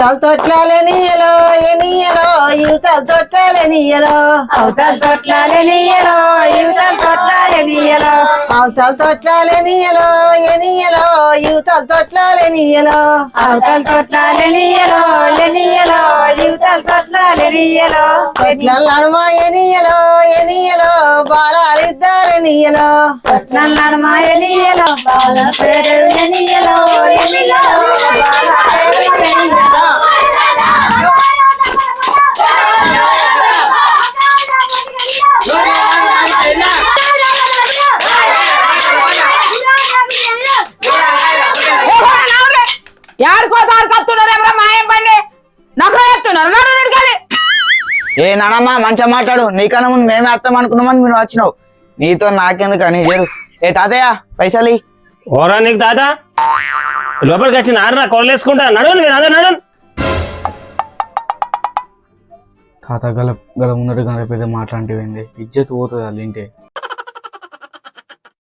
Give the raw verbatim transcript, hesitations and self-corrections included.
తల తొట్లాలనియలో ఎనియలో యువతల తొట్లాలనియలో అవతల తొట్లాలనియలో యువతల తొట్లాలనియలో అవతల తొట్లాలనియలో ఎనియలో యువతల తొట్లాలనియలో అవతల తొట్లాలనియలో ఎనియలో యువతల తొట్లాలనియలో తొట్ల నడుమ ఎనియలో ఎనియలో బాలాలిద్దరనియలో తొట్ల నడుమ ఎనియలో బాల పేరు ఎనియలో ఎనియలో బాల పేరు ఎనియలో ఏ నానమ్మా మంచిగా మాట్లాడు నీకన్నా ముందు మేమే వస్తాం అనుకున్నామని మీరు వచ్చినావు నీతో నాకెందుకు అని చేరు ఏ తాతయ్య పైసలు ఓరా నీకు తాత లోపలికి వచ్చి నాన్న కొలేసుకుంటా నడు నడు నడు తాత గల గల ముందర గల పెద్ద మాట్లాంటివి ఇజ్జత్ పోతుంది వాళ్ళ ఇంటే